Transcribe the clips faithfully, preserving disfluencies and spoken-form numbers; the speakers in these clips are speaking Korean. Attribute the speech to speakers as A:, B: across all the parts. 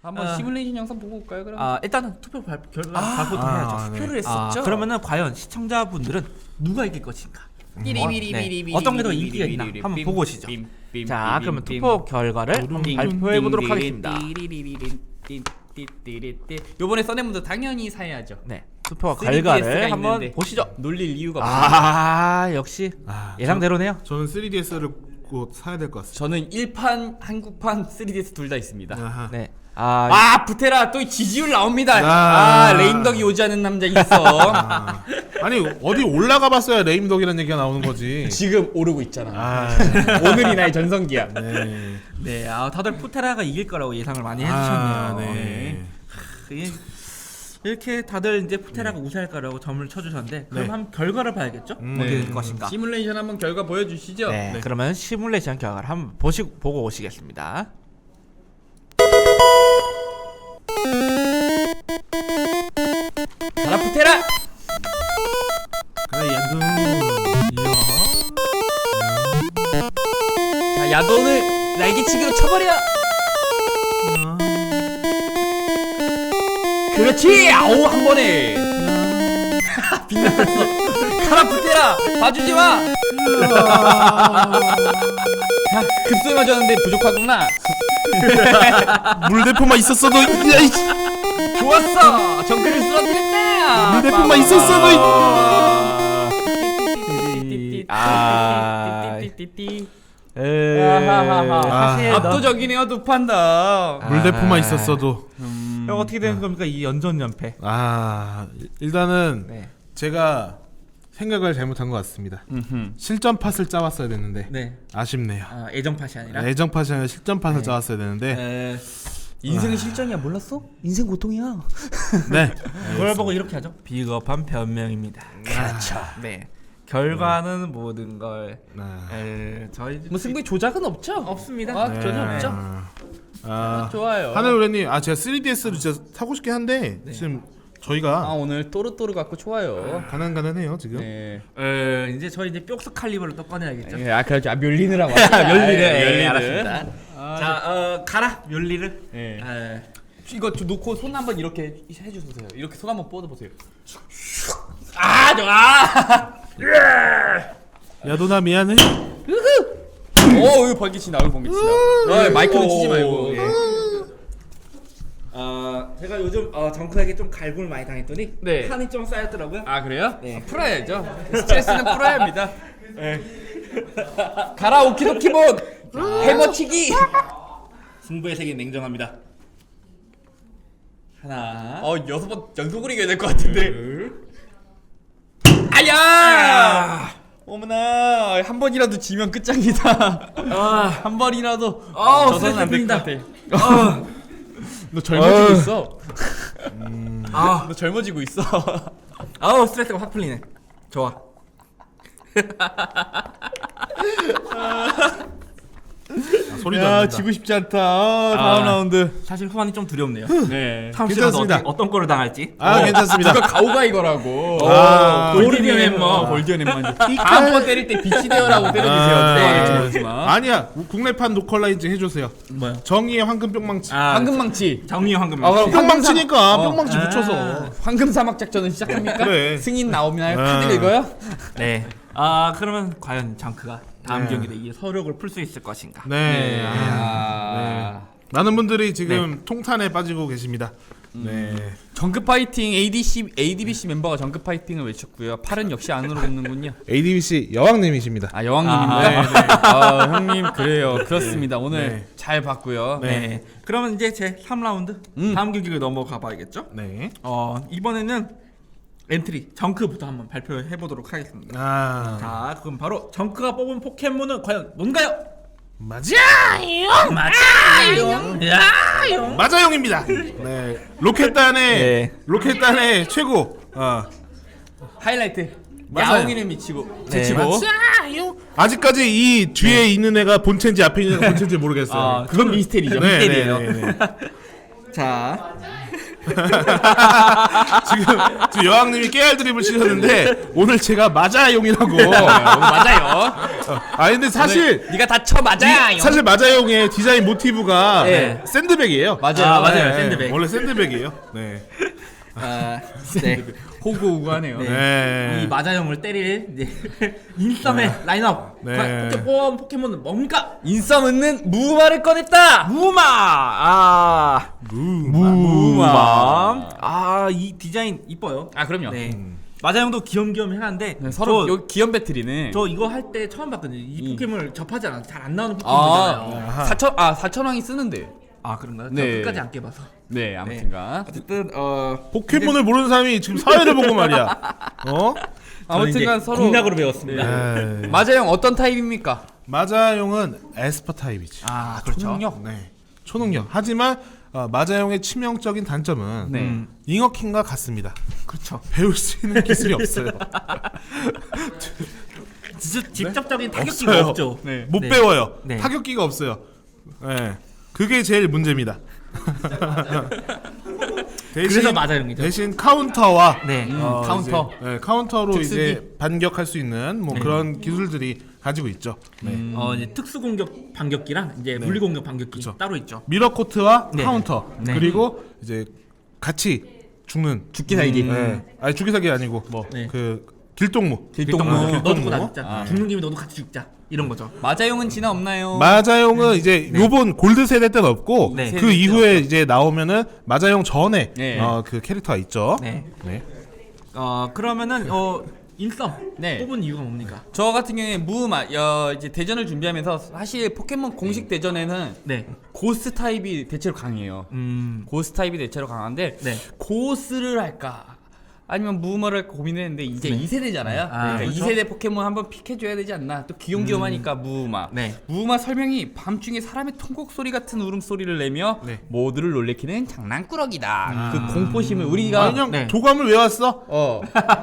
A: 한번
B: 어.
A: 시뮬레이션 영상 보고 올까요? 그럼.
B: 아 일단은 투표 발표 결과
A: 아,
B: 발표도
C: 아,
B: 해야죠.
C: 네.
A: 투표를
B: 아,
A: 했었죠.
B: 그러면은 과연 시청자분들은 누가 이길 것인가?
A: 삐리비리비리비리
B: 네. 어떤 게 더 인기가 있나 한번 보고 오시죠. 자, 그러면 투표 결과를 한번 발표해 보도록 하겠습니다.
A: 요번에 써낸 분들 당연히 사야죠.
B: 네, 투표
A: 쓰리디에스가
B: 결과를 한번
A: 있는데
B: 보시죠.
A: 놀릴 이유가 없어요.
B: 아, 역시
C: 아,
B: 예상대로네요.
C: 저는 쓰리디에스를 곧 사야 될 것 같습니다.
A: 저는 일판, 한국판, 쓰리디에스 둘 다 있습니다.
C: 아하.
B: 네, 아,
A: 아, 부테라 또 지지율 나옵니다.
C: 아.
A: 아, 레임덕이 오지 않은 남자 있어.
C: 아, 아니 어디 올라가 봤어야 레임덕이라는 얘기가 나오는 거지.
A: 지금 오르고 있잖아.
C: 아,
A: 오늘이 나의 전성기야.
C: 네.
B: 네, 아, 다들 푸테라가 이길 거라고 예상을 많이
C: 아,
B: 해주셨네요.
C: 네.
B: 네. 이렇게 다들 이제 푸테라가 우세할 거라고 점을 쳐주셨는데 그럼
C: 네.
B: 한번 결과를 봐야겠죠?
C: 음.
B: 어떻게
C: 네.
B: 될 것인가?
A: 시뮬레이션 한번 결과 보여주시죠.
B: 네,
A: 네.
B: 그러면 시뮬레이션 결과를 한번 보시 보고 오시겠습니다.
A: 가라 부테라.
C: 그래 연두. 이야.
A: 자, 야돈을 날개치기로 쳐버려.
C: 이야.
A: 그렇지. 아오, 한 번에. 빛났어. 가라 부테라. 봐주지 마. 자, 급소에 맞았는데 부족하구나.
C: 물대포만 있었어도 야, 이
A: 좋았어. 정글을 쓰러뜨렸다.
C: 물대포만 있었어도
B: 아,
A: 띠띠띠띠띠띠띠띠.
B: 에,
A: 아하하하.
B: 사실 너-
A: 압도적이네요, 두 판다.
C: 물대포만
B: 아.
C: 있었어도.
B: 형 어떻게 되는 겁니까 이 연전 연패?
C: 아, 일단은
B: 네,
C: 제가 생각을 잘못한 것 같습니다.
A: 음흠.
C: 실전 팟을 짜왔어야 됐는데
B: 네,
C: 아쉽네요.
B: 아, 애정 팟이 아니라.
C: 애정 팟이 아니라 실전 팟을
B: 네.
C: 짜왔어야 되는데.
B: 에,
A: 인생은 실전이야, 몰랐어? 인생 고통이야.
C: 네.
B: 그걸 보고 이렇게 하죠. 비겁한 변명입니다.
C: 그렇죠.
B: 네, 결과는 모든 걸.
C: 아.
B: 에, 저희
A: 뭐 승부의 조작은 없죠?
B: 없습니다.
A: 아,
C: 네.
A: 전혀 없죠.
C: 아,
A: 좋아요.
C: 하늘우레님, 아 제가 쓰리디에스를 진짜 사고 싶긴 한데 지금 저희가
A: 아, 오늘 또르또르 갖고 좋아요.
C: 가난가난해요 지금.
A: 네.
B: 에, 이제 저희 이제 뿅스 칼리버를 또 꺼내야겠죠.
A: 예, 아, 그렇죠. 아, 멸리느라고.
B: 멸리를.
A: 아,
B: 예,
A: 멸리를.
B: 알았습니다.
A: 아,
B: 자, 어, 가라 멸리를.
A: 예.
B: 에,
A: 이거 좀 놓고 손 한번 이렇게 해주세요. 이렇게 손 한번 뻗어보세요. 아, 좋아.
C: 야도나 미안해.
A: 오, 이거 번개치 나올 번개치 나. 어, 마이크는 치지 말고.
B: 예. 어, 제가 요즘 어, 정크에게 좀 갈굼을 많이 당했더니
A: 네.
B: 한이 좀 쌓였더라고요.
A: 아, 그래요?
B: 네.
A: 아, 풀어야죠. 스트레스는 풀어야 합니다. 네. 가라 오키도키본 해머치기.
B: 승부의 세계 냉정합니다. 하나.
A: 어, 여섯 번 연속으로 이겨야 될 것 같은데. 아야! 어머나, 한 번이라도 지면 끝장이다.
B: 아,
A: 한 번이라도
B: 아,
A: 져서는 안 될 것
B: 스트레스
A: 같아.
B: 아,
A: 너 젊어지고 있어.
B: 아,
A: 너 젊어지고 있어.
B: 아우 스트레스가 확 풀리네. 좋아.
C: 아, 소리도 안
A: 야,
C: 난다.
A: 지고 싶지 않다. 아, 다음
B: 아.
A: 라운드.
B: 사실 후반이 좀 두렵네요.
A: 네.
B: 다음 시간에
C: 괜찮습니다.
B: 어떤, 어떤 거를 당할지.
C: 아 괜찮습니다.
A: 누가 가오가 이거라고.
C: 아,
A: 골디언
B: 골디언
A: 햄머.
B: 햄머.
A: 골디언 햄머. 다음번 때릴 때 빛이 되어라고 때려주세요.
C: 아,
A: 네.
C: 네.
A: 모르지만.
C: 아니야 국내판 노컬라이즈 해주세요.
B: 뭐요?
C: 정의의 황금 뿅망치.
B: 아,
A: 황금망치.
B: 정리 황금.
A: 아, 그럼
C: 뿅망치니까
A: 어.
C: 뿅망치
B: 아.
C: 붙여서.
A: 황금 사막 작전은 시작합니까?
C: 그래.
A: 승인 나오나요?
C: 아.
A: 카드 읽어요?
B: 네. 아 그러면 과연 정크가 다음
C: 네.
B: 경기에 이 서력을 풀 수 있을 것인가?
C: 네.
A: 네.
C: 아, 네. 많은 분들이 지금 통탄에 빠지고 계십니다. 네.
A: 정급 파이팅 에이디씨 에이디비씨 멤버가 정급 파이팅을 외쳤고요. 팔은 역시 안으로 굽는군요.
C: 에이디비씨 여왕님이십니다.
A: 아, 여왕님입니까?
B: 아, 네, 네.
A: 아, 형님 그래요. 그렇습니다. 오늘
C: 네.
A: 잘 봤고요.
B: 네. 그러면 이제 제 삼 라운드
A: 음.
B: 다음 경기를 넘어가 봐야겠죠?
C: 네.
B: 어 이번에는 엔트리 정크부터 한번 발표해 보도록 하겠습니다.
C: 아.
B: 자, 그럼 바로 정크가 뽑은 포켓몬은 과연 뭔가요?
C: 맞아요.
B: 맞아요. 야요.
C: 맞아용입니다. 네. 로켓단의
B: 네.
C: 로켓단의 최고. 어.
A: 하이라이트.
C: 맞아요.
A: 야옹이를 미치고
B: 네.
A: 제치고.
C: 맞아요. 아직까지 이 뒤에 있는 애가 본체인지 앞에 있는 애가 본체인지 모르겠어요.
A: 아, 그건 미스테리죠.
C: 네,
B: 미스테리예요.
C: 네, 네, 네.
B: 자,
C: 지금, 지금 여왕님이 깨알 드립을 치셨는데 오늘 제가 마자용이라고.
A: 맞아요.
C: 아 근데 사실
A: 오늘 네가 다 쳐 맞아야.
C: 이- 사실 마자용의 디자인 모티브가
A: 네.
C: 샌드백이에요.
A: 맞아요.
B: 아, 맞아요.
C: 네,
B: 샌드백.
C: 원래 샌드백이에요. 네.
B: 아, 네.
A: 호구호구하네요.
B: 네.
C: 네.
B: 이 마자용을 때릴 네. 인썸의 라인업.
C: 네.
B: 포켓몬 포켓몬은 뭡니까?
A: 인썸 얻는 무마를 꺼냈다.
B: 무마. 아, 무마. 아, 이 디자인 이뻐요.
A: 아 그럼요.
B: 네. 마자용도 귀염귀염해한데
A: 네, 서로
B: 저,
A: 여기 기염 배틀이네.
B: 저 이거 할 때 처음 봤거든요. 이
A: 음.
B: 포켓몬을 접하지 않아서 잘 안 나오는 포켓몬이잖아요.
A: 아 사천 아 사천왕이 쓰는데.
B: 아, 그런가요?
A: 네.
B: 저 끝까지 안 깨봐서.
A: 네 아무튼가.
B: 어쨌든 어
C: 포켓몬을 모르는 사람이 지금 사회를 보고 말이야. 어?
A: 아무튼간 서로
B: 공략으로 배웠습니다.
C: 에이.
A: 마자형 어떤 타입입니까?
C: 마자용은 에스퍼 타입이지.
B: 아, 그렇죠.
A: 초능력?
C: 네. 초능력. 하지만 어, 마자용의 치명적인 단점은
A: 네.
B: 음.
C: 잉어킹과 같습니다.
B: 그렇죠.
C: 배울 수 있는 기술이 없어요.
B: 진짜 직접적인 타격기가
C: 없어요.
B: 없죠.
A: 네.
C: 못
B: 네.
C: 배워요.
B: 네.
C: 타격기가 없어요. 네. 그게 제일 문제입니다. 대신,
B: 그래서 마자용이죠.
C: 대신 카운터와
B: 네.
A: 음,
C: 어,
A: 카운터.
C: 이제, 네, 카운터로
A: 특수기.
C: 이제 반격할 수 있는 뭐
B: 네.
C: 그런 기술들이 가지고 있죠. 네.
A: 음.
B: 어, 이제 특수 공격 반격기랑 이제 물리 공격 반격기
C: 그쵸.
B: 따로 있죠.
C: 미러 코트와
B: 네.
C: 카운터
B: 네.
C: 그리고 이제 같이 죽는
A: 죽기 살기.
C: 네. 아니 죽기 살기 아니고 뭐 그
B: 네.
C: 길동무.
A: 길동무.
C: 아,
B: 너도
C: 길동무.
B: 나 죽자.
A: 아.
B: 죽는 김에 너도 같이 죽자. 이런 거죠.
A: 마자용은 진화 없나요?
C: 마자용은 이제 요번 골드 세대 때는 없고
B: 네.
C: 그
A: 세대
C: 이후에 이제 나오면은 마자용 전에
A: 네.
C: 어, 그 캐릭터가 있죠.
B: 네.
C: 네.
B: 어, 그러면은 어 인썸
A: 네.
B: 뽑은 이유가 뭡니까?
A: 저 같은 경우에 무마 어, 이제 대전을 준비하면서 사실 포켓몬 공식 대전에는
B: 네.
A: 고스 타입이 대체로 강해요.
B: 음.
A: 고스 타입이 대체로 강한데
B: 네.
A: 고스를 할까 아니면 무마를 할까 고민했는데 이제 이 세대잖아요.
B: 아,
A: 그러니까
B: 그렇죠.
A: 이 세대 포켓몬 한번 픽해줘야 되지 않나. 또 귀염귀염하니까 무마.
B: 네.
A: 무마 설명이 밤중에 사람의 통곡 소리 같은 울음소리를 내며
C: 네.
A: 모두를 놀래키는 장난꾸러기다. 그 공포심을 우리가
C: 아, 그냥
B: 네.
C: 도감을 외웠어.
A: 어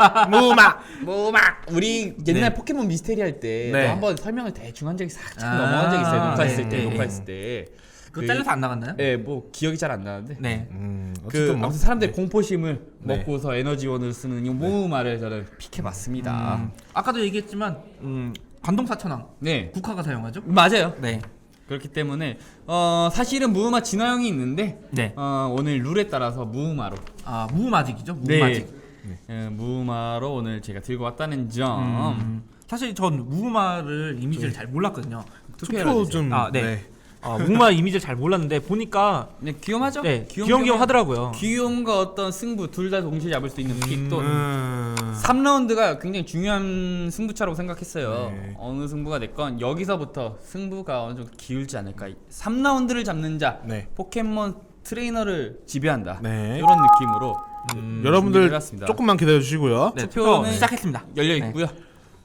C: 무마.
A: 무마 우리 옛날
B: 네.
A: 포켓몬 미스테리 할 때
C: 네.
A: 한번 설명을 대충 한 적이 살짝
B: 아,
A: 넘어간 적이 있어요. 녹화했을
B: 네,
A: 때
B: 네,
A: 녹화했을 때.
B: 그거 잘려서 안 나갔나요?
A: 예, 뭐 기억이 잘 안 나는데.
B: 네.
C: 음,
A: 그
C: 어쨌든 뭐
A: 아무튼 사람들이 공포심을
C: 네.
A: 먹고서 에너지원을 쓰는 이 모음알을 저는 픽해봤습니다.
B: 음, 아까도 얘기했지만 음, 관동사천왕
A: 네,
B: 국화가 사용하죠?
A: 맞아요.
B: 네.
A: 그렇기 때문에 어 사실은 무음화 진화형이 있는데
B: 네.
A: 어 오늘 룰에 따라서 무음화로
B: 아, 무마직이죠.
A: 네.
B: 무마직.
A: 예, 무음화로 오늘 제가 들고 왔다는 점.
B: 음, 사실 전 무마를 이미지를 잘 몰랐거든요.
C: 투표 좀
B: 아, 네. 아, 무마 이미지를 잘 몰랐는데 보니까
A: 네, 귀염하죠?
B: 네, 귀염귀염 하더라고요.
A: 귀염과 어떤 승부 둘 다 동시에 잡을 수 있는 픽 또
C: 음.
A: 삼 라운드가 굉장히 중요한 승부차라고 생각했어요.
C: 네.
A: 어느 승부가 됐건 여기서부터 승부가 어느 정도 기울지 않을까. 삼 라운드를 잡는 자,
C: 네.
A: 포켓몬 트레이너를 지배한다.
C: 네.
A: 이런 느낌으로
C: 여러분들
A: 준비를 해봤습니다.
C: 조금만 기다려 주시고요.
B: 네,
A: 투표는
B: 투표 시작했습니다.
A: 열려
B: 네.
A: 있고요.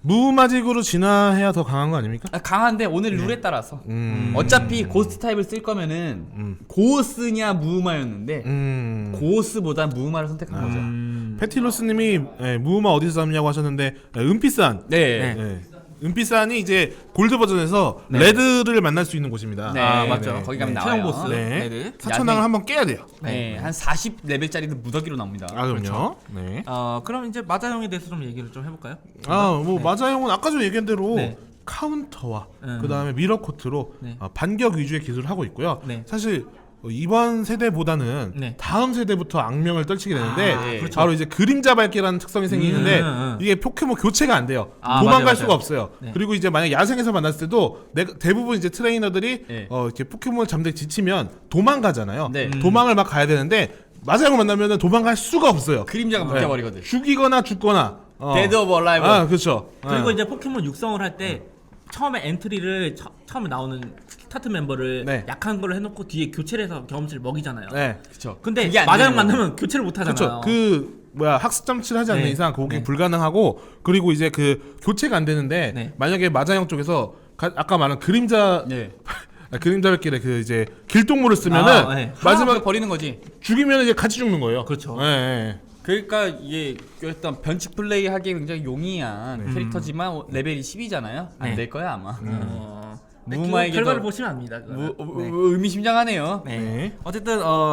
C: 무마직으로 진화해야 더 강한 거 아닙니까?
A: 아, 강한데 오늘 룰에 따라서
C: 음.
A: 어차피 고스트 타입을 쓸 거면은
C: 음.
A: 고스냐 무우마였는데
C: 음.
A: 고스보다 무우마를 선택한 거죠.
B: 음,
C: 패티로스님이 예, 무마 어디서 잡냐고 하셨는데 예, 은피산.
A: 네.
B: 네.
C: 예. 은피산이 이제 골드 버전에서
B: 네.
C: 레드를 만날 수 있는 곳입니다.
A: 네,
B: 아,
A: 네,
B: 맞죠.
A: 거기 가면
B: 네,
A: 나와요.
B: 최종 보스.
C: 네.
B: 네.
C: 사천왕을
A: 야생-
C: 한번 깨야 돼요.
A: 네, 한 사십 레벨짜리도 무더기로 나옵니다.
C: 아 그럼요. 네.
B: 어, 그럼 이제 마자용에 대해서 좀 얘기를 좀 해볼까요?
C: 아 뭐 마자용은 아까 전에 얘기한 대로
B: 네.
C: 카운터와
B: 음.
C: 그 다음에 미러 코트로
B: 네.
C: 어, 반격 위주의 기술을 하고 있고요.
B: 네.
C: 사실 어, 이번 세대보다는
B: 네.
C: 다음 세대부터 악명을 떨치게 되는데
B: 아,
A: 네.
B: 그렇죠.
C: 바로 이제 그림자 밟기라는 특성이 생기는데
B: 음, 음, 음.
C: 이게 포켓몬 교체가 안 돼요.
B: 아,
C: 도망갈
B: 맞아요,
C: 수가
B: 맞아요.
C: 없어요.
B: 네.
C: 그리고 이제 만약 야생에서 만났을 때도 내, 대부분 이제 트레이너들이
A: 네.
C: 어, 이렇게 포켓몬 잠들 지치면 도망가잖아요.
A: 네. 음.
C: 도망을 막 가야 되는데 마자용을 만나면 도망갈 수가 없어요.
A: 그림자가
C: 네.
A: 묶여버리거든.
C: 죽이거나 죽거나. 어.
A: 데드 오브 얼라이브.
C: 아 그렇죠.
B: 그리고
C: 네.
B: 이제 포켓몬 육성을 할 때 처음에 엔트리를 처, 처음에 나오는 스타트 멤버를
C: 네.
B: 약한 걸로 해놓고 뒤에 교체를 해서 경험치를 먹이잖아요.
C: 네.
A: 그쵸.
B: 근데
A: 그게 안
B: 마자용
A: 되는
B: 만나면 교체를 못 하잖아요.
C: 그렇죠. 그 뭐야 학습 장치를 하지 않는
B: 네.
C: 이상 그게
B: 네.
C: 불가능하고 그리고 이제 그 교체가 안 되는데
B: 네.
C: 만약에 마자형 쪽에서 가, 아까 말한 그림자
A: 네.
C: 아, 그림자백길에 그 이제 길동무를 쓰면은
B: 아, 네.
A: 마지막
C: 마지막
A: 버리는 거지.
C: 죽이면 이제 같이 죽는 거예요.
B: 그렇죠.
C: 네, 네.
A: 그러니까 이게 일단 변칙 플레이 하기에 굉장히 용이한 캐릭터지만 레벨이 십이잖아요. 안
B: 네.
A: 될 거야 아마.
B: 어, 네,
A: 무마에게도-
B: 그 결과를 보시면 압니다. 그거는.
A: 무,
B: 네.
A: 무- 의미심장하네요.
B: 네.
C: 네.
B: 어쨌든 어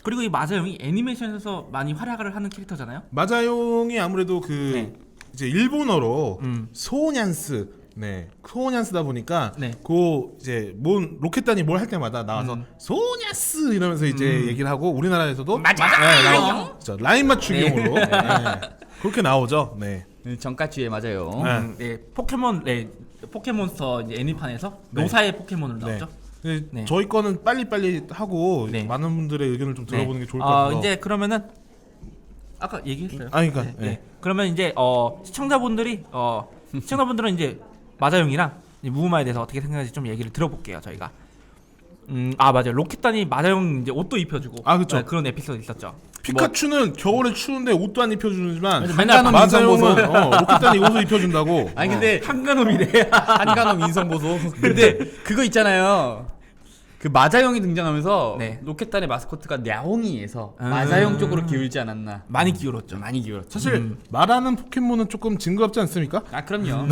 B: 그리고 이 마자용이 애니메이션에서 많이 활약을 하는 캐릭터잖아요.
C: 마자용이 아무래도 그
B: 네.
C: 이제 일본어로
B: 음.
C: 소년스, 네 소년스다 보니까
B: 네.
C: 그 이제 뭔 로켓단이 뭘 할 때마다 나와서
B: 음.
C: 소년스 이러면서 이제
B: 음.
C: 얘기를 하고 우리나라에서도
B: 맞아요.
C: 네, 나오, 저 라인 맞추기용으로
B: 네.
C: 네. 그렇게 나오죠. 네.
A: 네, 정가치에 맞아요.
C: 네.
B: 음, 네, 포켓몬 네, 포켓몬스터 이제 애니판에서
C: 네.
B: 노사의 포켓몬으로
C: 네.
B: 나오죠.
C: 네.
B: 네.
C: 저희 거는 빨리빨리 하고
B: 네.
C: 많은 분들의 의견을 좀 들어보는
B: 네.
C: 게 좋을 것
B: 어,
C: 같아요.
B: 이제 그러면은 아까 얘기했어요.
C: 아, 그러니까,
B: 네,
C: 네.
B: 네. 그러면 이제 어, 시청자분들이 어, 시청자분들은 이제 마자용이랑 이제 무우마에 대해서 어떻게 생각하는지 좀 얘기를 들어볼게요. 저희가. 음, 아 맞아요. 로켓단이 마자용 이제 옷도 입혀주고.
C: 아, 그쵸.
B: 네, 그런 에피소드 있었죠.
C: 피카츄는 겨울에 추운데 옷도 안 입혀주지만
A: 한가놈
C: 마자용은 어, 로켓단이 옷을 입혀준다고.
A: 아니 근데
B: 한가놈이래.
A: 한가놈 인성 보소. 근데 그거 있잖아요. 그 마자용이 등장하면서
B: 네.
A: 로켓단의 마스코트가 냐옹이에서
B: 음.
A: 마자용 쪽으로 기울지 않았나.
B: 많이 기울었죠.
A: 많이 기울었죠.
C: 사실
B: 음.
C: 말하는 포켓몬은 조금 징그럽지 않습니까?
A: 아 그럼요.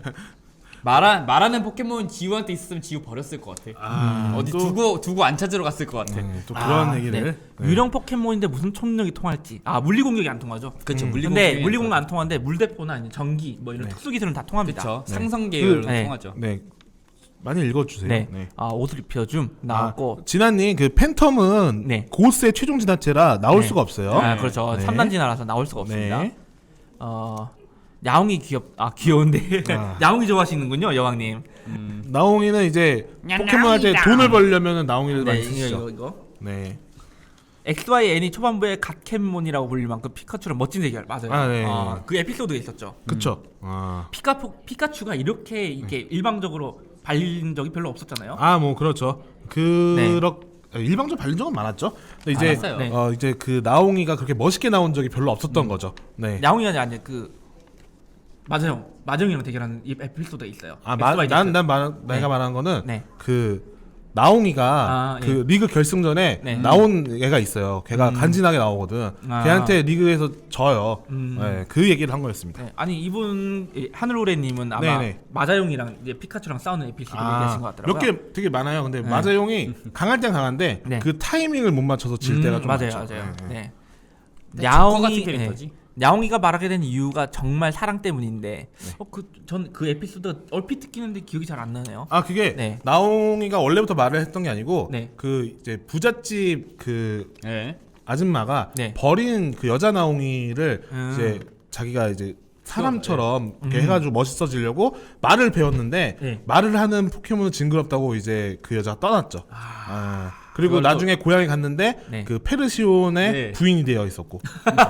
A: 말하 말하는 포켓몬 지우한테 있었으면 지우 버렸을 것 같아.
C: 아,
A: 어디
C: 또-
A: 두고 두고 안 찾으러 갔을 것 같아.
C: 네, 또 그런
B: 아,
C: 얘기를.
B: 네.
C: 네.
B: 유령 포켓몬인데 무슨 초능력이 통할지. 아 물리 공격이 안 통하죠.
A: 그렇죠.
C: 음.
A: 물리
B: 근데
A: 공격이
B: 물리 공격 안 통하는데 물대포나 아니면 전기 뭐 이런
C: 네.
B: 특수 기술은 다 통합니다.
A: 그렇죠.
C: 네.
A: 상성 계열로
B: 그- 네.
A: 통하죠.
C: 네. 많이 읽어주세요.
B: 네.
C: 네.
B: 아 옷을 입혀줌 나왔고.
C: 아, 진아님 그 팬텀은
B: 네.
C: 고스의 최종 진화체라 나올
B: 네.
C: 수가 없어요.
B: 아
A: 네.
B: 그렇죠.
C: 네.
B: 삼 단 진화라서 나올 수가 없습니다.
C: 네.
B: 어 야옹이 귀엽 아 귀여운데
C: 아.
B: 야옹이 좋아하시는군요 여왕님.
A: 음.
C: 나옹이는 이제
B: 야,
C: 포켓몬 할 때
B: 나옹이다.
C: 돈을 벌려면 나옹이를
B: 네
C: 많이
B: 이거
C: 쓰시죠.
B: 이거 이거.
C: 네.
B: 엑스 와이 엔이 초반부에 갓캔몬이라고 불릴 만큼 피카츄랑 멋진 대결 맞아요.
C: 아, 네.
B: 어, 그 에피소드가 있었죠.
C: 그쵸. 아.
B: 피카포 피카츄가 이렇게 이렇게 일방적으로 발린 적이 별로 없었잖아요.
C: 아, 뭐 그렇죠. 그렇 일방적으로 발린 적은 많았죠. 근데 이제
A: 많았어요.
B: 네.
C: 어 이제 그 나옹이가 그렇게 멋있게 나온 적이 별로 없었던 거죠. 네.
B: 야옹이가 아니라 그 맞아요. 마정이랑 대결하는 이 에피소드가 있어요.
C: 아,
B: 엑스 와이
C: 난난
B: 잭슨.
C: 말 내가
B: 네.
C: 말하는 거는
B: 네.
C: 그 나옹이가
B: 아,
C: 그
B: 예.
C: 리그 결승전에
B: 네.
C: 나온 애가 있어요. 걔가
B: 음.
C: 간지나게 나오거든.
B: 아.
C: 걔한테 리그에서 져요.
B: 음.
C: 네, 그 얘기를 한 거였습니다.
B: 네. 아니 이분 이 하늘오래님은 아마
C: 네네.
B: 마자용이랑 이제 피카츄랑 싸우는 에피소드 얘기하신 것 같더라고요.
C: 몇 개 되게 많아요. 근데
B: 네.
C: 마자용이 강할 땐 강한데
B: 네.
C: 그 타이밍을 못 맞춰서 질
B: 음,
C: 때가 좀
B: 맞아요,
C: 많죠.
B: 맞아요.
C: 네, 네.
B: 네.
A: 근데 조커 같은
B: 야옹이
A: 캐릭터지.
B: 네. 야옹이가 말하게 된 이유가 정말 사랑 때문인데,
C: 네.
B: 어 그 전 그 에피소드 얼핏 듣기는데 기억이 잘 안 나네요.
C: 아 그게
B: 네.
C: 나옹이가 원래부터 말을 했던 게 아니고
B: 네.
C: 그 이제 부잣집 그
A: 네.
C: 아줌마가
B: 네.
C: 버린 그 여자 나옹이를
B: 음.
C: 이제 자기가 이제 사람처럼 이렇게
B: 음.
C: 해가지고 멋있어지려고 말을 배웠는데
B: 네.
C: 말을 하는 포켓몬은 징그럽다고 이제 그 여자가 떠났죠. 아, 그리고
A: 그걸 또-
C: 나중에 고향에 갔는데
B: 네.
C: 그 페르시온의
A: 네.
C: 부인이 되어 있었고.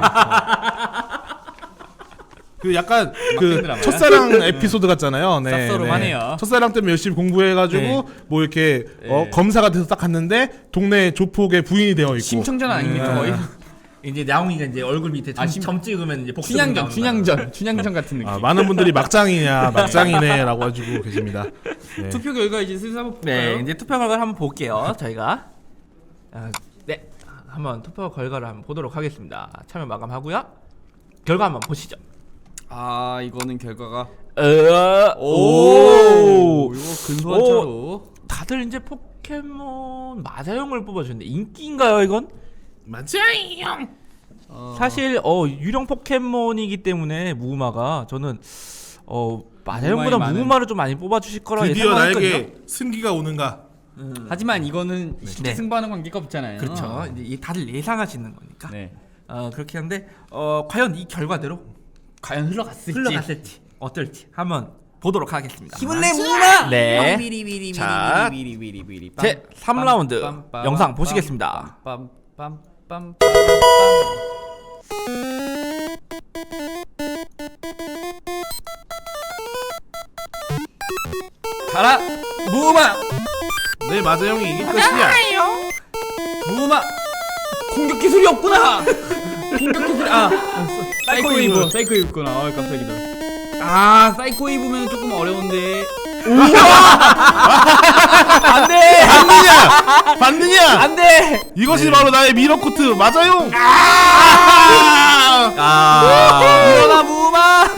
C: 그 약간 그
A: 드라마야?
C: 첫사랑 에피소드 같잖아요. 네,
A: 쌉싸름하네요.
C: 첫사랑 때문에 열심히 공부해가지고
B: 네.
C: 뭐 이렇게 어,
A: 네.
C: 검사가 돼서 딱 갔는데 동네 조폭의 부인이 되어 있고.
A: 심청전 아닙니까 거의?
B: 이제 야옹이가 이제 얼굴 밑에 점,
A: 아, 심-
B: 점 찍으면 이제 복수
A: 춘향전, 춘향전, 춘향전 같은 느낌.
C: 아, 많은 분들이 막장이냐 막장이네라고 해주고 계십니다. 네.
A: 투표 결과 이제 슬슬 한번 볼까요?
B: 네, 이제 투표 결과를 한번 볼게요. 저희가 아, 네, 한번 투표 결과를 한번 보도록 하겠습니다. 참여 마감하고요. 결과 한번 보시죠.
A: 아 이거는 결과가
B: 어,
A: 오, 이거 근소한
B: 오.
A: 차로.
B: 다들 이제 포켓몬 마자용을 뽑아주는데 인기인가요 이건?
C: 맞아요.
A: 어,
B: 사실 어 유령 포켓몬이기 때문에 무우마가 저는 어 마자용보다
A: 무우마의 많은-
B: 무우마를 좀 많이 뽑아주실 거라
C: 드디어
B: 예상하거든요.
C: 나에게 승기가 오는가?
A: 하지만 이거는 쉽게
B: 네.
A: 승부하는 관계가 없잖아요.
B: 그렇죠. 이제 이 다들 예상하시는 거니까.
A: 네.
B: 어 그렇게 한데 어 과연 이 결과대로
A: 과연 흘러갔을지.
B: 흘러갔을지 어떨지 한번 보도록 하겠습니다.
A: 힘을 내 무마.
B: 네.
A: 비리비리비리비리비리비리비리.
B: 자, 제 삼 라운드
A: 빰, 빰,
B: 영상
A: 빰,
B: 보시겠습니다.
A: 빰, 빰, 빰, 빰, 빰. 가라 무마.
C: 내 마자용이 이길 것이야.
A: 무마. 공격 기술이 없구나. 공격 기술 아 사이코 웨이브 사이코 웨이브구나. 아 깜짝이다. 아 사이코 웨이브면 조금 어려운데. 안돼
C: 받느냐? 받느냐?
A: 안돼.
C: 이것이 바로 나의 미러코트 마자용.
B: 아,
A: 일어나 무마.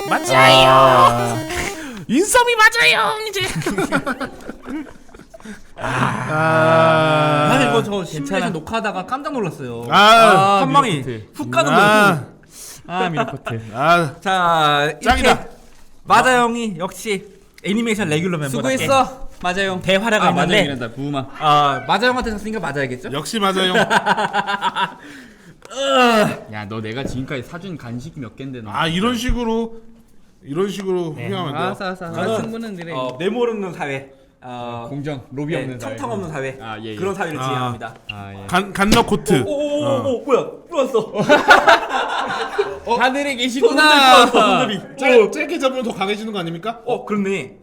C: 맞아요. 인썸이 맞아요 이제. 아,
B: 사실 이거 저
A: 괜찮아.
B: 시뮬레이션 녹화하다가 깜짝 놀랐어요.
C: 아,
B: 한 방에
A: 미러코트.
B: 훅 가는 거예요.
C: 아,
A: 아 미러코트.
C: 아,
B: 자, 이렇게
C: 짱이다.
B: 마자 형이 역시 애니메이션 레귤러 멤버답게
A: 수고했어. 맞아 형.
B: 대활약을
A: 아 맞아
B: 했는데
A: 형이란다. 부마.
B: 아, 마자 형한테 졌으니까 맞아야겠죠?
C: 역시 맞아요.
A: 야 너 내가 지금까지 사준 간식 몇 갠데 너.
C: 아, 이런 식으로 이런 식으로
B: 네.
C: 후회하면 안 돼요.
A: 알았어 알았어.
B: 저는
A: 승부는 그래.
B: 어, 메모 없는 사회, 어,
A: 공정 로비
B: 네,
A: 없는 사회.
B: 청탕 없는 사회,
A: 아, 예, 예.
B: 그런 사회를
C: 아.
B: 지향합니다.
A: 아 예.
C: 간 간너 코트.
B: 오오오오 뭐야? 들어왔어.
A: 하늘에
B: 손들이
A: 계시구나.
B: 들어왔어. 손들이.
C: 짧, 짧게 잡으면 더 강해지는 거 아닙니까?
B: 어, 그렇네.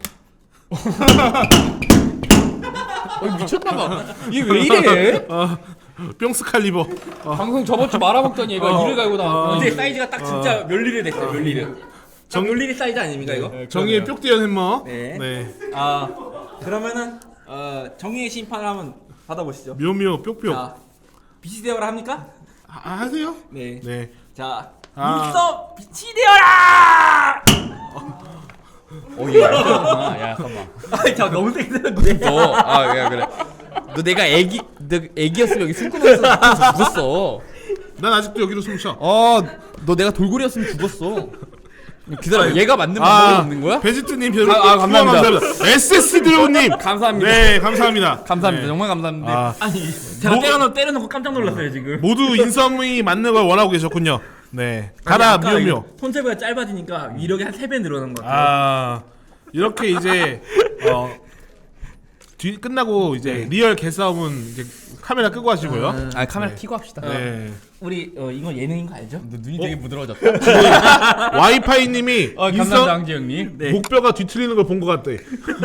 A: 어, 미쳤나봐. 이게 왜 이래?
C: 어, 뿅스 칼리버. 어,
A: 방송 저번 주 말아먹던 얘가
C: 어.
A: 이를 갈고 나왔어.
B: 이제 사이즈가 딱 진짜 멸리를 됐어요. 멸리를. 정 멸리리 사이즈 아닙니까 이거?
C: 정의의 뿅띠연 햄머.
B: 네.
C: 네.
B: 아, 그러면은 어, 정의의 심판을 한번 받아보시죠.
C: 묘묘 뿅뿅.
B: 자, 빛이 되어라 합니까?
C: 아, 하세요?
B: 네.
C: 네.
B: 자,
C: 아.
B: 눈썹 빛이 되어라!
A: 어, 얘 얄미웠구나. 야, 잠깐만.
B: 아, 자, 너무 세게 들었는데.
A: 너, 아, 그래, 그래. 너 내가 애기, 너 애기였으면 여기 숨고 나서 죽었어.
C: 난 아직도 여기로 숨 쉬어.
A: 어, 너 내가 돌고래였으면 죽었어. 기다려, 얘가 맞는 방법이
C: 아,
A: 없는 거야?
C: 베지트님 별
A: 아, 아, 감사합니다.
C: 에스에스 드로우님
A: 감사합니다.
C: 네, 감사합니다.
A: 감사합니다.
C: 네.
A: 정말 감사합니다.
C: 아,
B: 아니, 제가
C: 뭐-
B: 때려놓고 때려놓고 깜짝 놀랐어요 지금.
C: 모두 인썸이 맞는 걸 원하고 계셨군요. 네, 가라 묘묘.
B: 손잡이가 짧아지니까 위력이 한 세 배 늘어난 것 같아요.
C: 아, 이렇게 이제 어, 뒤 끝나고 이제
B: 네.
C: 리얼 개싸움은 이제 카메라 끄고 하시고요.
A: 아, 카메라
C: 네.
A: 켜고 합시다.
C: 네.
B: 우리 어, 이거 예능인 거 알죠?
A: 너 눈이 되게 부드러워졌다.
C: 와이파이님이
A: 어, 감사합니다,
C: 인썸
A: 황지 형님.
B: 네.
C: 목뼈가 뒤틀리는 걸 본 것 같대.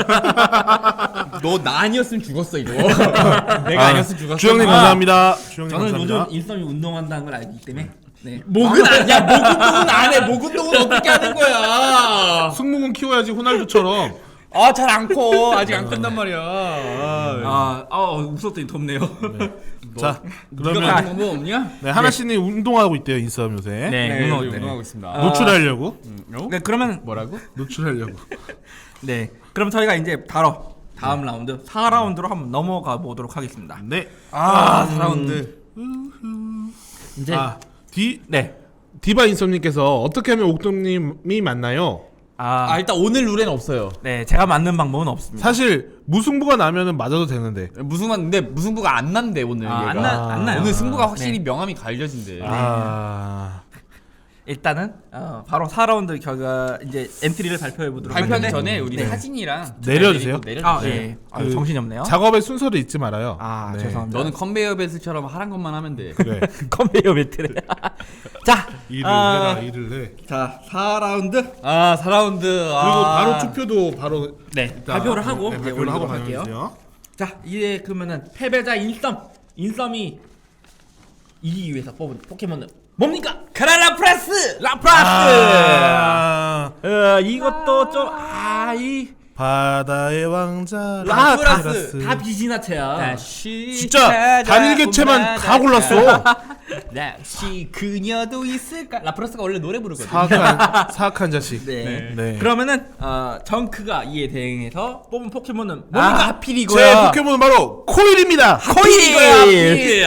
A: 너 나 아니었으면 죽었어, 이거. 내가 아, 니었으면 죽었어.
C: 주영님
A: 아,
C: 감사합니다. 주영님
B: 저는
C: 감사합니다.
B: 요즘 일섬이 운동한다는 걸 알기 때문에. 네.
A: 목은 안, 야, 목 운동은 안 해. 목 운동은 어떻게 하는 거야?
C: 승모근 키워야지 호날두처럼.
A: 아, 잘 안 커. 아직 안 큰단 말이야. 아,
B: 아, 아 웃었더니 덥네요.
C: 자,
A: 네가
C: 그러면
A: 가는 방법 없냐?
C: 네, 하나씨님 운동하고 있대요 인썸 요새.
B: 네, 운동, 네.
A: 운동하고 있습니다.
B: 아.
C: 노출하려고.
A: 어?
B: 네, 그러면
A: 뭐라고?
C: 노출하려고.
B: 네, 그럼 저희가 이제 바로 다음 라운드 사 라운드로 한번 넘어가 보도록 하겠습니다.
C: 네.
A: 아, 사 라운드.
B: 이제
C: 아, 디
B: 네,
C: 디바 인썸님께서 어떻게 하면 옥동님이 맞나요?
B: 아,
A: 아, 일단 오늘 룰엔 없어요.
B: 네, 제가 맞는 방법은 없습니다.
C: 사실 무승부가 나면은 맞아도 되는데.
A: 무승만 근데 무승부가 안 난대 오늘.
B: 아,
A: 얘가.
B: 안 나, 안 나요.
A: 오늘 승부가 확실히
B: 네.
A: 명암이 갈려진대.
C: 아,
B: 일단은 어, 바로 사 라운드 결과 이제 엔트리를 발표해 보도록
A: 발표하기
B: 하겠는데.
A: 전에 우리
B: 네.
A: 사진이랑
C: 내려주세요.
A: 내려주세요.
B: 아, 예. 아,
C: 그
B: 정신이 없네요.
C: 작업의 순서를 잊지 말아요.
B: 아,
C: 네.
B: 죄송합니다.
A: 너는 컨베이어 벨트처럼 하란 것만 하면 돼.
C: 그래.
B: 컨베이어 벨트를. 자,
C: 일을
B: 아,
C: 해라, 일을 해.
B: 자, 사 라운드.
A: 아, 사 라운드.
C: 그리고 바로 투표도 바로
B: 네,
C: 일단
B: 발표를 하고
C: 네,
B: 이제
C: 발표를 하고
B: 올리도록 할게요.
C: 가면서요.
B: 자, 이제 그러면은 패배자 인썸. 인썸이 이기기 위해서 뽑은 포켓몬은 뭡니까? 카라라 프라스! 라프라스!
C: 아,
B: 어, 이것도 좀 아, 이
C: 바다의 왕자
B: 라프라스 다 비지나체야.
A: 다시
C: 진짜 단일개체만 다 골랐어.
A: 다시 그녀도 있을까? 라프라스가 원래 노래 부르거든.
C: 사악한 사악한 자식.
B: 네.
C: 네.
B: 그러면은 어, 정크가 이에 대응해서 뽑은 포켓몬은
A: 아,
B: 뭡니까?
A: 하필
C: 제
A: 이거야.
C: 포켓몬은 바로 코일입니다.
A: 코일 이거야. 하필.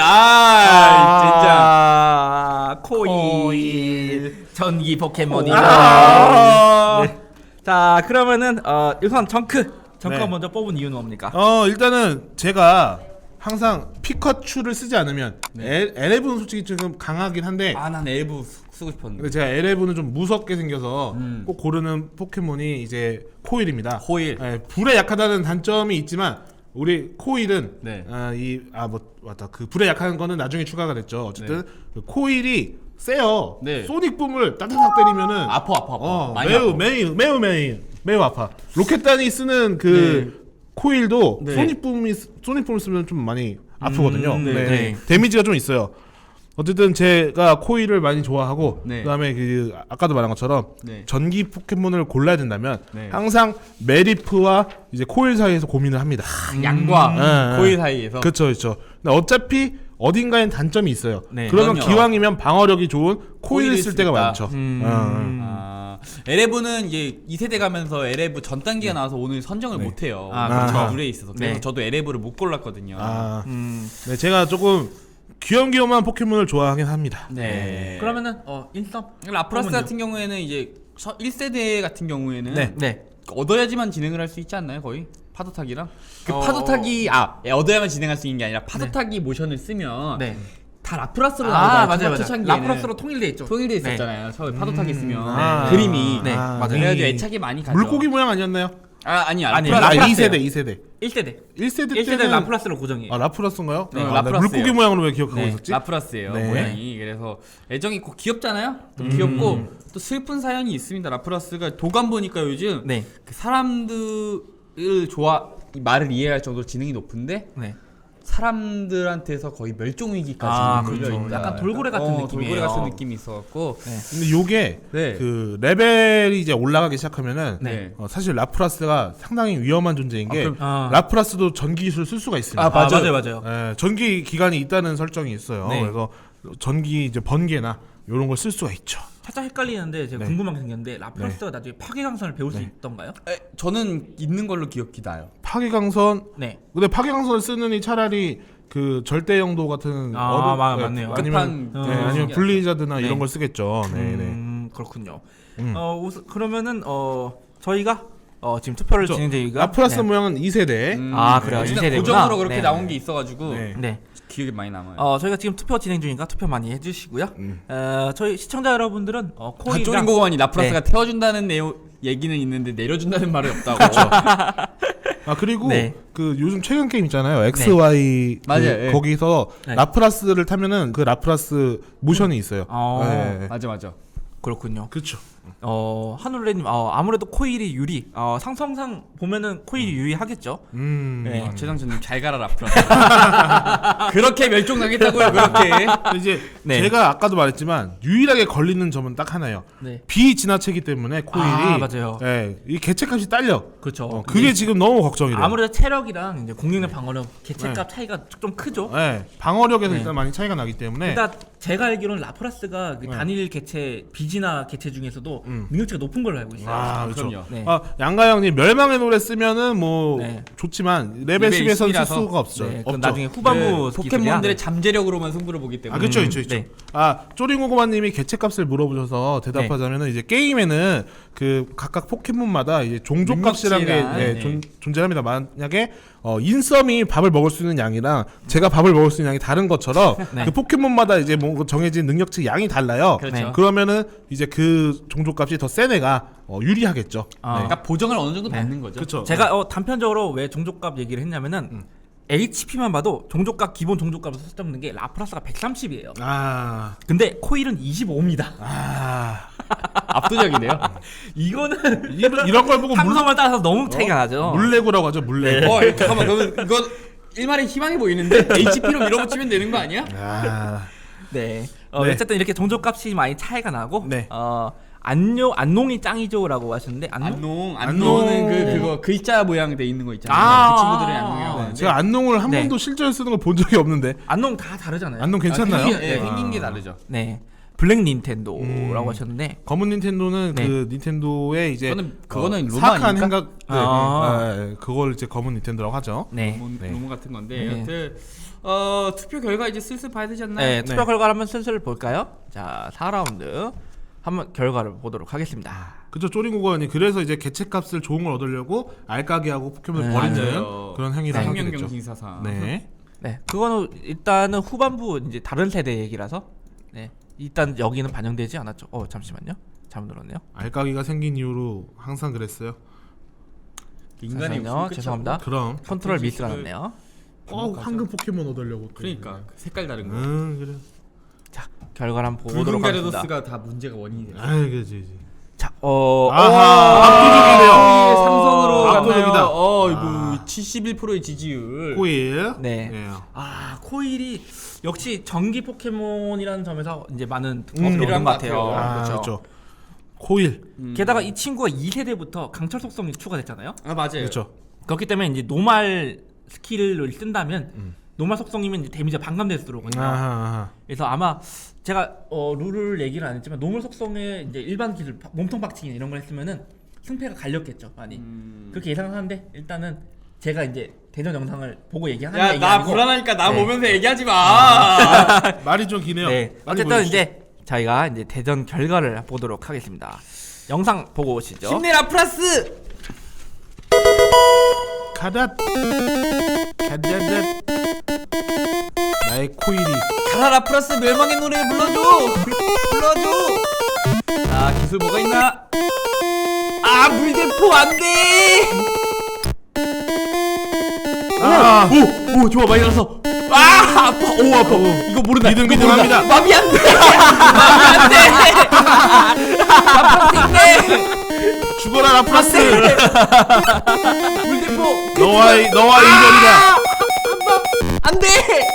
A: 아,
B: 아, 코일. 전기 포켓몬이다.
A: 아.
B: 네. 자, 그러면은 어, 우선 정크. 정크가
C: 네.
B: 먼저 뽑은 이유는 뭡니까?
C: 어 일단은 제가 항상 피카츄를 쓰지 않으면 엘, 엘에브는 솔직히 지금 강하긴 한데
A: 진짜. 아, 난 엘브 쓰- 쓰고 싶었는데.
C: 근데 제가 엘에브는 좀 무섭게 생겨서
A: 음.
C: 꼭 고르는 포켓몬이 이제 코일입니다.
A: 코일.
C: 예, 불에 약하다는 단점이 있지만 우리 코일은
A: 네.
C: 아, 이아 뭐 맞다 그 불에 약한 거는 나중에 추가가 됐죠. 어쨌든 그 코일이 세요.
A: 네.
C: 소닉 붐을 따다닥 때리면은
A: 아파 아파 아파.
C: 어,
A: 많이
C: 매우
A: 아파.
C: 매우 매우 매우 매우 아파. 로켓단이 쓰는 그 코일도
B: 네.
C: 소닉 붐이 소닉 붐을 쓰면 좀 많이 아프거든요.
B: 음, 네,
C: 네.
B: 네.
C: 데미지가 좀 있어요. 어쨌든 제가 코일을 많이 좋아하고
A: 네.
C: 그다음에 그 아까도 말한 것처럼
A: 네.
C: 전기 포켓몬을 골라야 된다면
A: 네.
C: 항상 메리프와 이제 코일 사이에서 고민을 합니다.
A: 양과
C: 음.
A: 코일 사이에서.
C: 그렇죠, 그렇죠. 근데 어차피 어딘가엔 단점이 있어요.
B: 네.
C: 그러면
A: 그럼요.
C: 기왕이면 방어력이 좋은 코일을
A: 코일을
C: 쓸 때가
A: 쓰겠다.
C: 많죠.
B: 음.
C: 어.
A: 아, 엘에브는 이제 이 세대 가면서 엘에브 전 단계가 나와서 오늘 선정을
C: 네.
A: 못 해요.
B: 아,
C: 그렇죠.
A: 룰에 있어서. 그래서
B: 네.
A: 저도 엘에브를 못 골랐거든요.
C: 아,
B: 음.
C: 네, 제가 조금 귀염귀염한 포켓몬을 좋아하긴 합니다.
A: 네.
B: 그러면은 어 인썸
A: 라프라스
B: 그러면요.
A: 같은 경우에는 이제 일 세대 같은 경우에는
C: 네.
B: 네.
A: 얻어야지만 진행을 할 수 있지 않나요? 거의 파도 타기랑 그
B: 어.
A: 파도 타기 아 예, 얻어야만 진행할 수 있는 게 아니라 파도 타기 모션을 쓰면
B: 네.
A: 다 라프라스로
B: 아
A: 나오잖아요.
B: 맞아요 맞아요.
A: 초창기에는.
B: 라프라스로 통일돼 있죠.
A: 통일돼
B: 네.
A: 있었잖아요. 처음에 파도 타기 쓰면
C: 아.
A: 그림이
B: 네,
C: 아,
B: 맞아요.
A: 그래가지고
C: 이
A: 애착이 많이 가죠.
C: 물고기 모양 아니었나요?
A: 아 아니
B: 아니,
A: 라프라스
C: 아,
B: 라프라스예요.
C: 이 세대, 이 세대.
B: 일 세대.
C: 일 세대
B: 일 세대
C: 때는
B: 라프라스로 고정이에요.
C: 아, 라프라스인가요?
A: 네,
C: 아, 나
A: 라프라스예요.
C: 물고기 모양으로 왜 기억하고
B: 네,
C: 있었지?
A: 라프라스예요
C: 네.
A: 모양이. 그래서 애정이 있고 귀엽잖아요. 또 귀엽고 또 슬픈 사연이 있습니다. 라프라스가 도감 보니까 요즘
B: 네.
A: 그 사람들을 좋아 이 말을 이해할 정도로 지능이 높은데
B: 네.
A: 사람들한테서 거의 멸종 위기까지
B: 아,
A: 걸려
B: 그렇죠.
A: 있다.
B: 약간 돌고래 같은
A: 어,
B: 느낌이에요.
A: 돌고래 같은 느낌이 있어갖고
C: 근데 요게
A: 네.
C: 그 레벨이 이제 올라가기 시작하면은
A: 네.
C: 어, 사실 라프라스가 상당히 위험한 존재인 게
A: 그럼-
B: 아.
C: 라프라스도 전기 기술을 쓸 수가 있습니다.
A: 아, 맞아요.
B: 맞아요. 맞아요.
C: 예, 전기 기간이 있다는 설정이 있어요.
B: 네.
C: 그래서 전기 이제 번개나 이런 걸 쓸 수가 있죠.
B: 살짝 헷갈리는데 제가
C: 네.
B: 궁금한 게 생겼는데 라프라스가 나중에 파괴강선을 배울 수 있던가요?
A: 에, 저는 있는 걸로 기억이 나요.
C: 파괴강선
B: 네.
C: 근데 파괴강선을 쓰느니 차라리 그 절대 영도 같은
B: 아,
C: 어른-
B: 마-
C: 예,
B: 맞네요.
C: 아니면
A: 급한,
C: 네,
B: 어,
C: 아니면
A: 신기하죠.
C: 블리자드나
B: 네.
C: 이런 걸 쓰겠죠. 네, 네.
B: 음, 그렇군요.
C: 음.
B: 어 우선 그러면은 어 저희가 어 지금 투표를
C: 그렇죠.
B: 진행 중이가
C: 라프라스
B: 네.
C: 모양은 이 세대.
A: 음,
B: 아, 그래요.
A: 진짜
B: 이 세대구나.
A: 고정으로 그렇게
B: 네.
A: 나온 게 있어가지고
C: 네.
B: 네.
A: 기억에 많이 남아요.
B: 어 저희가 지금 투표 진행 중이니까 투표 많이 해주시고요.
C: 음.
B: 어 저희 시청자 여러분들은 어
A: 다
B: 코일이랑
A: 쪼린 고만이 라프라스가
B: 네.
A: 태워준다는 내용 얘기는 있는데 내려준다는 말이 없다고.
C: 아 그리고
B: 네.
C: 그 요즘 최근 게임 있잖아요. 엑스 와이 그
A: 맞아요, 예.
C: 거기서
B: 네.
C: 라프라스를 타면은 그 라프라스 모션이 있어요.
B: 어.
C: 네.
A: 맞아 맞아.
B: 그렇군요.
C: 그렇죠.
B: 어 한울레님 어 아무래도 코일이 유리. 어 상성상 보면은 코일이 유리하겠죠.
C: 음.
B: 네.
A: 아, 최상준님 잘 가라 라프라스. 그렇게 멸종당했다고요 그렇게.
C: 근데 이제
B: 네.
C: 제가 아까도 말했지만 유일하게 걸리는 점은 딱 하나예요.
B: 네.
C: 비진화체이기 때문에 코일이
B: 아, 맞아요.
C: 예, 이 개체값이 딸려.
B: 그렇죠.
C: 어, 그게 지금 너무 걱정이래요.
B: 아무래도 체력이랑 이제 공격력 방어력 개체값 차이가 좀 크죠.
C: 예, 방어력에서
B: 네.
C: 일단 많이 차이가 나기 때문에
B: 일단 제가 알기로는 라프라스가 그
C: 네.
B: 단일 개체 비진화 개체 중에서도
C: 음.
B: 능력치가 높은 걸로 알고 있어요.
C: 아, 그렇죠.
A: 그럼요.
B: 네.
C: 아, 양가영님 멸망의 노래 쓰면은 뭐
B: 네.
C: 좋지만 레벨
A: 레벨
C: 십에서는 쓸
A: 십이라서.
C: 수가 없죠.
B: 네, 그건
C: 없죠.
B: 나중에 후반부
A: 그
B: 기술이야.
A: 포켓몬들의 잠재력으로만 승부를 보기 때문에.
C: 아, 그렇죠, 그렇죠, 그렇죠.
B: 네.
C: 아, 쪼링고구마님이 개체값을 물어보셔서 대답하자면은 이제 게임에는 그 각각 포켓몬마다 이제 종족값이라는 게
A: 능력치랑,
C: 네,
A: 네.
C: 존, 존재합니다. 만약에 어, 인썸이 밥을 먹을 수 있는 양이랑 제가 밥을 먹을 수 있는 양이 다른 것처럼
B: 네.
C: 그 포켓몬마다 이제 뭐 정해진 능력치 양이 달라요.
A: 그렇죠.
B: 네.
C: 그러면은 이제 그 종족값이 더 센 애가 어, 유리하겠죠.
B: 아.
C: 네.
A: 그러니까 보정을 어느 정도 받는 거죠.
C: 그렇죠.
B: 제가 어, 단편적으로 왜 종족값 얘기를 했냐면은
C: 음.
B: 에이치피만 봐도 종족값 기본 종족값을 설정하는 게 라프라스가 백삼십이에요.
C: 아,
B: 근데 코일은 이십오입니다.
C: 아,
A: 압도적이네요.
B: 이거는
C: 이런, 이런 걸 보고 물,
B: 상성을 따라서 너무 차이가 나죠.
C: 물레고라고 하죠. 물레고.
A: 어 잠깐만 그러면 이건 일말의 희망이 보이는데 에이치피로 밀어붙이면 되는 거 아니야?
C: 아,
B: 네. 어,
C: 네.
B: 어쨌든 이렇게 종족값이 많이 차이가 나고
C: 네.
B: 어 안녕 안농이 짱이죠라고 하셨는데 안농
A: 안농
C: 안농.
A: 안농은 그 그거 글자 모양 돼 있는 거 있잖아요.
B: 아,
A: 그 친구들의
B: 아,
A: 안농이라고
B: 아,
A: 하는데
C: 제가 안농을 한
B: 네.
C: 번도 실제로 쓰는 걸 본 적이 없는데
B: 안농 다 다르잖아요.
C: 안농 괜찮나요?
A: 아, 생긴, 예,
C: 아.
A: 생긴 게 다르죠.
B: 네. 블랙 닌텐도라고
C: 음.
B: 하셨는데
C: 검은 닌텐도는
B: 네.
C: 그 닌텐도의 이제
A: 그거는- 그거는 로마
C: 사악한
A: 아닙니까?
C: 행각 네,
B: 아.
C: 네, 네, 그걸 이제 검은 닌텐도라고 하죠.
B: 네.
A: 뭐,
C: 네.
A: 노무 같은 건데
B: 네.
A: 여튼 어 투표 결과 이제 슬슬 봐야 되지 않나요?
B: 네, 투표
C: 네.
B: 결과를 한번 슬슬 볼까요? 자, 사 라운드 한번 결과를 보도록 하겠습니다.
C: 그죠. 쪼링고관이 그래서 이제 개체값을 좋은 걸 얻으려고 알까기하고 포켓몬을
B: 네,
C: 버리는
A: 맞아요.
C: 그런 행위를 하게 됐죠.
A: 생명경신사상.
C: 네.
B: 네, 그거는 일단은 후반부 이제 다른 세대 얘기라서 네, 일단 여기는 반영되지 않았죠. 어, 잠시만요. 잘못 들었네요.
C: 알까기가 생긴 이후로 항상 그랬어요.
A: 인간의
B: 잠시만요.
A: 욕심은 끝이
B: 죄송합니다.
C: 그럼
B: 컨트롤
A: 그치,
B: 미스가
A: 그-
B: 났네요.
C: 꼭 황금 포켓몬 얻으려고. 또.
A: 그러니까 그 색깔 다른 거.
C: 음, 그래.
B: 자, 결과를 한번
A: 붉은
B: 보도록 하겠습니다.
A: 가르도스가 다 문제가 원인이 돼요.
C: 아, 그지, 그지.
B: 자, 어,
C: 아하, 압도적이네요.
A: 아, 삼성으로
C: 압도적이다.
A: 갔나요? 어,
C: 아.
A: 이거 칠십일 퍼센트의 지지율.
C: 코일.
B: 네.
C: 예.
B: 아, 코일이 역시 전기 포켓몬이라는 점에서 이제 많은
C: 음,
B: 득점을 얻은
A: 필요한
B: 것
A: 것
B: 같아요.
A: 같아요.
C: 아,
B: 그렇죠.
C: 그렇죠. 코일.
A: 음.
B: 게다가 이 친구가 이 세대부터 강철 속성이 추가됐잖아요.
A: 아 맞아요.
C: 그렇죠.
B: 그렇기 때문에 이제 노말 스킬을 쓴다면
C: 음.
B: 노말 속성이면 이제 데미지가 반감돼서 들어오거든요.
C: 아하.
B: 그래서 아마 제가 어, 룰을 얘기를 안 했지만 노멀 속성에 이제 일반 기술 바- 몸통 박치기 이런 걸 했으면은 승패가 갈렸겠죠 많이.
A: 음.
B: 그렇게 예상하는데 일단은 제가 이제 대전 영상을 보고 얘기하는
A: 야
B: 얘기
A: 나
B: 아니고
A: 불안하니까 나
B: 네.
A: 보면서 얘기하지 마.
C: 말이 좀 기네요.
B: 네.
C: 빨리
B: 어쨌든
C: 보여주시죠.
B: 이제 저희가 이제 대전 결과를 보도록 하겠습니다. 영상 보고 오시죠.
A: 힘내라 플러스.
C: 가닷 가닷 나의 코일이
A: 가라라 플러스 멸망의 노래 불러줘. 불러줘. 자 기술 뭐가 있나? 아 물대포 안돼.
C: 아,
A: 오, 오 좋아 많이 나서. 아 아파. 오 아파. 이거 모른다.
C: 믿음,
A: 이거
C: 믿음합니다.
A: 모른다. 마비 안돼. 마비 안돼. 아프신데.
C: 죽어라 라플라스.
A: 물대포.
C: 너와의 너와의 이별이다.
A: 안돼.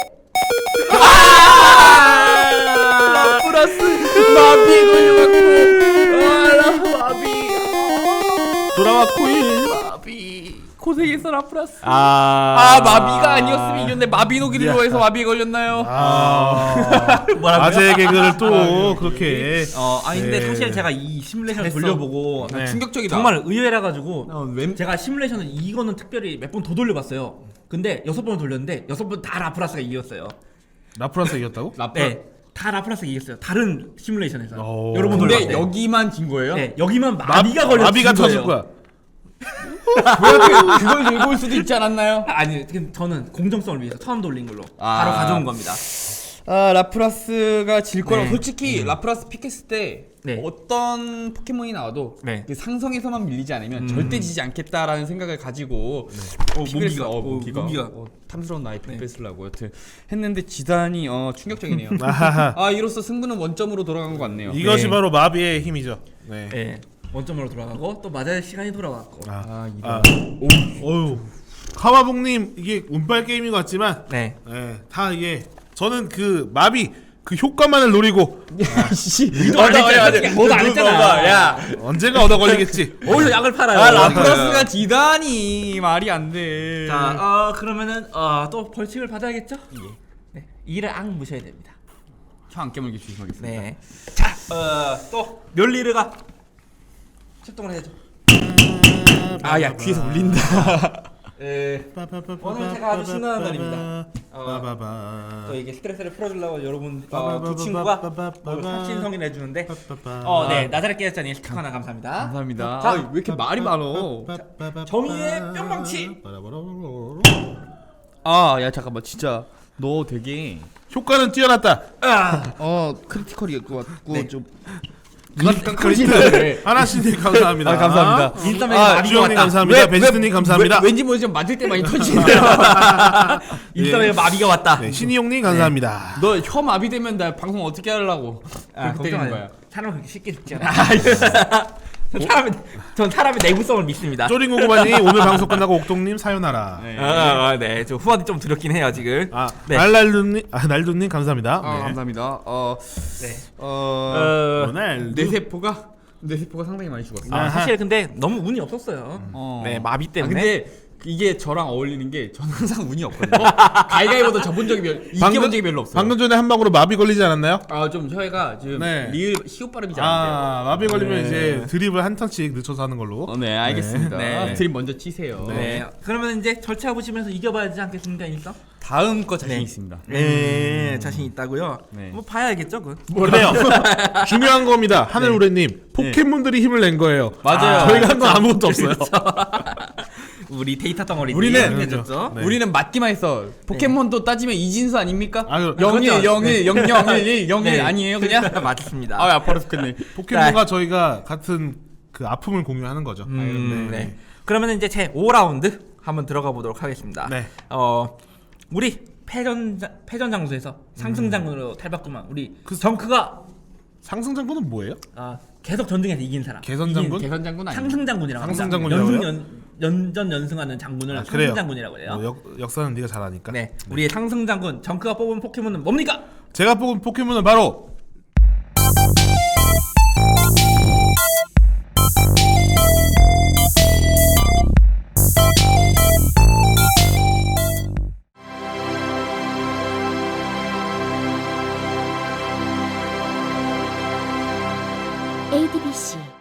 A: 아 플러스 마비에 걸려갖고. 아 마비.
C: 돌아와 코일.
A: 마비. 고생했어 라플라스.
B: 아,
A: 아 마비가 아니었으면 이겼네. 마비 녹이기로 해서 마비에 걸렸나요?
C: 아,
B: 뭐라고요?
C: 아재 개그를 또 그렇게.
B: 어, 아니 근데
C: 네.
B: 사실 제가 이 시뮬레이션을
A: 잘했어.
B: 돌려보고
C: 네.
A: 충격적이다.
B: 정말 의외라 가지고
A: 어, 웬-
B: 제가 시뮬레이션을 이거는 특별히 몇 번 더 돌려봤어요. 근데 여섯 번을 돌렸는데 여섯 번 다 라프라스가 이겼어요.
C: 라플라스 이겼다고?
A: 라플.
B: 네, 다 라프라스가 이겼어요. 다른 시뮬레이션에서
C: 오.
B: 여러 번
A: 근데
B: 돌려봤는데
A: 여기만 진 거예요?
B: 네, 여기만 마비가 걸려
C: 마비가 터질 거야.
A: 왜 그걸 들고 올 수도 있지 않았나요?
B: 아니, 지금 저는 공정성을 위해서 처음 돌린 걸로
A: 아.
B: 바로 가져온 겁니다.
A: 아 라프라스가 질 거라고
B: 네.
A: 솔직히 라프라스 픽했을 때
B: 네.
A: 어떤 포켓몬이 나와도
B: 네.
A: 그 상성에서만 밀리지 않으면 절대 지지 않겠다라는 생각을 가지고
B: 어,
A: 픽을
B: 무기가,
A: 했어. 어,
B: 어,
A: 무기가,
B: 무기가.
A: 어, 탐스러운 나의 픽 뺏으려고 여튼 했는데 지단이 어 충격적이네요.
C: 아하하.
A: 아 이로써 승부는 원점으로 돌아간 것 같네요.
C: 이것이
B: 네.
C: 바로 마비의 힘이죠. 네.
B: 네, 원점으로 돌아가고 또 맞아야 시간이 돌아왔고.
C: 아,
A: 아 이거
C: 아, 어유, 카와봉님 이게 운빨 게임인 것 같지만,
B: 네.
C: 네, 다 이게 저는 그 마비 그 효과만을 노리고
A: 씨
B: 안 했잖아. 뭐도 안 했잖아.
A: 야
C: 언젠가 얻어 걸리겠지.
B: 어디서 약을 팔아요?
A: 아 라프라스가 지다니 말이 안 돼.
B: 자, 어 그러면은 어, 또 벌칙을 받아야겠죠? 네, 이를 앙 무셔야 됩니다.
A: 혀 안 깨물게 조심하겠습니다.
B: 네. 자, 어또 멸리르가 출동을 해야죠.
A: 아야 귀에서 울린다.
B: 예. 오늘 제가 아주 신나는 날입니다. 어,
C: 빠바바.
B: 또 이게 스트레스를 풀어주려고 여러분 어, 두 친구가 뭐 사친성인 해주는데 어,
C: 어,
B: 네 나자렛 깨졌자니 스티커 하나 감사합니다.
A: 감사합니다.
B: 자,
A: 아, 왜 이렇게 말이 많어?
B: 정의의 뿅망치.
A: 아, 야 잠깐만 진짜 너 되게
C: 효과는 뛰어났다.
B: 아,
A: 어 크리티컬이 같고
B: 네.
A: 좀
C: 크리스탈 하나씩 감사합니다.
A: 아, 감사합니다.
B: 일삼에서
A: 아,
B: 마비가
C: 주영님
B: 왔다.
C: 감사합니다. 베스트님 감사합니다.
A: 왠지 모르지 맞을 때 많이 터지네요.
B: 일삼에서 마비가 왔다.
C: 네, 신이용님 감사합니다.
A: 너 혀 마비되면 나 방송 어떻게 하려고?
B: 아,
A: 그렇게 되는
B: 걱정 안
A: 거야.
B: 해요. 사람 그렇게 쉽게 죽지 않아. 전 사람의 전 사람의 내구성을 믿습니다.
C: 쪼링고구마님 오늘 방송 끝나고 옥동님 사요나라.
A: 네.
B: 아, 아, 네. 저 후원이 좀 드렸긴 해요 지금.
C: 아
B: 네.
C: 날날루님 아 날두님 감사합니다.
A: 아
C: 네.
A: 감사합니다. 어,
B: 네.
A: 어,
B: 어,
C: 오늘
A: 뇌세포가 뇌세포가 상당히 많이 죽었어.
B: 아, 사실 근데 너무 운이 없었어요.
A: 어.
B: 네, 마비
A: 아,
B: 때문에.
A: 근데 이게 저랑 어울리는 게 저는 항상 운이 없거든요. 가위가위보다 접은 적이 별, 이겨본 적이 별로 없어요.
C: 방금 전에 한 방으로 마비 걸리지 않았나요?
A: 아, 좀 혀가 지금
C: 네.
A: 리을 시옷 발음이 잘 안 돼요.
C: 아 마비 걸리면
A: 네.
C: 이제 드립을 한 턴씩 늦춰서 하는 걸로.
A: 어, 네, 알겠습니다.
B: 네. 네.
A: 드림 먼저 치세요.
B: 네. 그러면 이제 절차 보시면서 이겨봐야 되지 않겠습니까, 일성?
A: 다음 거 자신
B: 네.
A: 있습니다.
B: 네, 자신 있다고요.
A: 네.
B: 뭐 봐야겠죠, 그.
C: 그래요. 중요한 겁니다. 하늘우레님 포켓몬들이 힘을 낸 거예요.
A: 맞아요.
C: 저희가 한 건 아무것도 없어요.
B: 우리 데이터 덩어리
A: 우리는-
B: 해줬죠.
C: 네.
A: 우리는 맞기만 했어. 포켓몬도 따지면 이진수 아닙니까?
C: 아, 그-
A: 영일,
B: 그렇죠.
A: 영일, 영영일, 영일
B: 네.
A: 아니에요, 그냥?
B: 맞습니다.
A: 아, 아파라 죽겠네.
C: 포켓몬과 저희가 같은 그 아픔을 공유하는 거죠.
B: 음, 네. 그러면 이제 제 오 라운드 한번 들어가 보도록 하겠습니다.
C: 네.
B: 어, 우리 패전 패전 장소에서 상승 장군으로 탈바꿈한 우리 정크가
C: 상승 장군은 뭐예요?
B: 아, 계속 전쟁에서 이긴 사람.
C: 개선
B: 이긴
C: 장군?
A: 개선 장군 아니에요?
B: 상승 장군이라고
C: 상승
B: 합니다.
C: 장군이라고요?
B: 연승 연 연전 연승하는 장군을
C: 아,
B: 상승
C: 그래요?
B: 장군이라고 해요.
C: 어, 역, 역사는 네가 잘 아니까.
B: 네, 우리의 상승 장군 정크가 뽑은 포켓몬은 뭡니까?
C: 제가 뽑은 포켓몬은 바로
D: 엑스